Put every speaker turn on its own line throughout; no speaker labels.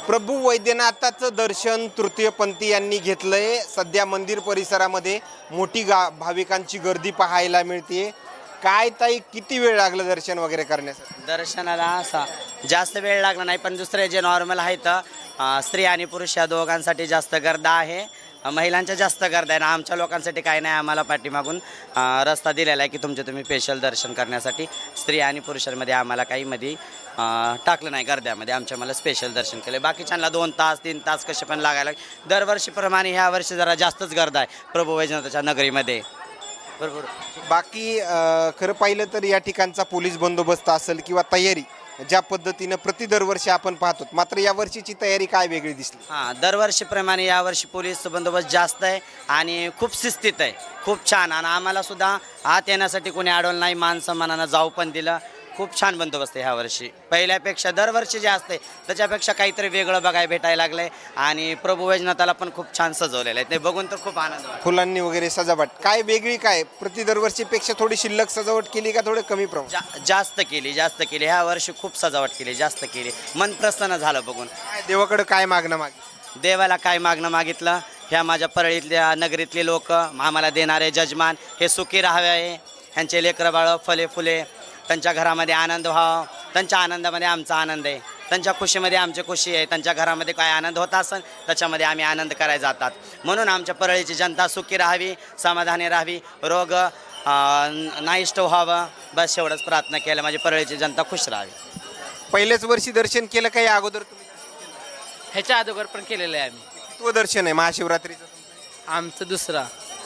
प्रभू वैद्यनाथाचं दर्शन तृतीयपंथी यांनी घेतलंय। सध्या मंदिर परिसरामध्ये मोठी भाविकांची गर्दी पाहायला मिळते। काय ताई, किती वेळ लागला दर्शन वगैरे करण्यासाठी?
दर्शनाला असा जास्त वेळ लागला नाही, पण दुसरे जे नॉर्मल आहेत स्त्री आणि पुरुष या दोघांसाठी जास्त गर्दी आहे। महिलांच्या जास्त गर्दी आहे ना, आमच्या लोकांसाठी काय नाही। आम्हाला पाठीमागून रस्ता दिलेला आहे की तुम्ही स्पेशल दर्शन करण्यासाठी स्त्री आणि पुरुषांमध्ये आम्हाला काही मध्ये टाकलं नाही। गर्द्यामध्ये आमच्या मला स्पेशल दर्शन केले। बाकीच्यांना 2 तास 3 तास कसे पण लागायला। दरवर्षीप्रमाणे ह्या वर्षी जरा जास्तच गर्दी आहे प्रभू वैजनाथाच्या नगरीमध्ये। बरोबर।
बाकी खरं पाहिलं तर या ठिकाणचा पोलीस बंदोबस्त असेल किंवा तयारी ज्या पद्धतीनं दरवर्षी आपण पाहतो, मात्र या वर्षीची तयारी काय वेगळी दिसली?
दरवर्षीप्रमाणे यावर्षी पोलीस बंदोबस्त जास्त आहे आणि खूप शिस्तीत आहे, खूप छान। आणि आम्हाला सुद्धा आत येण्यासाठी कोणी अडवलं नाही, मान सन्मानानं जाऊ पण दिलं। खूप छान बंदोबस्त आहे ह्यावर्षी, पहिल्यापेक्षा दरवर्षी जे असते त्याच्यापेक्षा काहीतरी वेगळं बघायला भेटायला लागलंय। आणि प्रभू वैजनाथाला पण खूप छान सजवलेलं आहे, ते बघून तर खूप आनंद वाटतो।
फुलांनी वगैरे सजावट काय वेगळी, काय दरवर्षीपेक्षा थोडी शिल्लक सजावट केली का थोडं कमी प्रमाणात?
जास्त केली ह्या वर्षी खूप सजावट केली, जास्त केली। मन प्रसन्न झालं बघून।
देवाकडे काय मागणं मागितलं?
देवाला काय मागणं मागितलं, ह्या माझ्या परळीतल्या नगरीतले लोक आम्हाला देणारे जजमान हे सुखी राहावे, ह्यांचे लेकरं बाळ फले फुले, त्यांच्या घरामध्ये आनंद व्हावा, त्यांच्या आनंदामध्ये आमचा आनंद आहे, त्यांच्या खुशीमध्ये आमची खुशी आहे। त्यांच्या घरामध्ये काय आनंद होत असेल त्याच्यामध्ये आम्ही आनंद करायला जातात। म्हणून आमच्या परळीची जनता सुखी राहावी, समाधानी राहावी, रोग नाहीष्ट व्हावं, बस एवढंच प्रार्थना केलं। माझी परळीची जनता खुश राहावी।
पहिल्याच वर्षी दर्शन केलं काही अगोदर तुम्ही?
ह्याच्या अगोदर पण केलेलं आहे आम्ही।
कितवं दर्शन आहे महाशिवरात्रीचं?
आमचं दुसरा।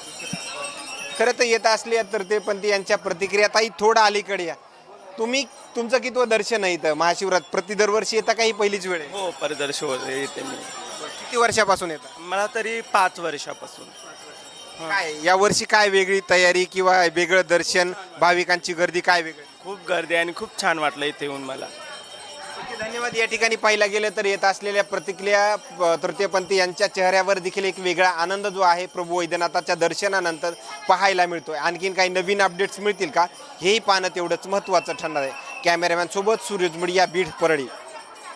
खरं तर येत असले तर ते पण यांच्या प्रतिक्रिया ताई थोडं अलीकडे या। तुमचं कितवं दर्शन आहे इथं महाशिवरात्र? दरवर्षी येता काही पहिलीच वेळ आहे?
हो, परिदर्शन येते मी।
किती वर्षापासून येतात?
मला तरी 5 वर्षापासून।
काय या वर्षी काय वेगळी तयारी किंवा वेगळं दर्शन, भाविकांची गर्दी काय वेगळी?
खूप गर्दी आणि खूप छान वाटलं इथे येऊन मला।
धन्यवाद। या ठिकाणी पाहिला गेलं तर येत असलेल्या प्रतिक्रिया तृतीयपंथी यांच्या चेहऱ्यावर देखील एक वेगळा आनंद जो आहे प्रभू वैद्यनाथाच्या दर्शनानंतर पाहायला मिळतोय। आणखीन काही नवीन अपडेट्स मिळतील का, हेही पाहणं तेवढंच महत्त्वाचं ठरणार आहे। कॅमेरामॅन सोबत सूरज मुडिया, बीड, परळी।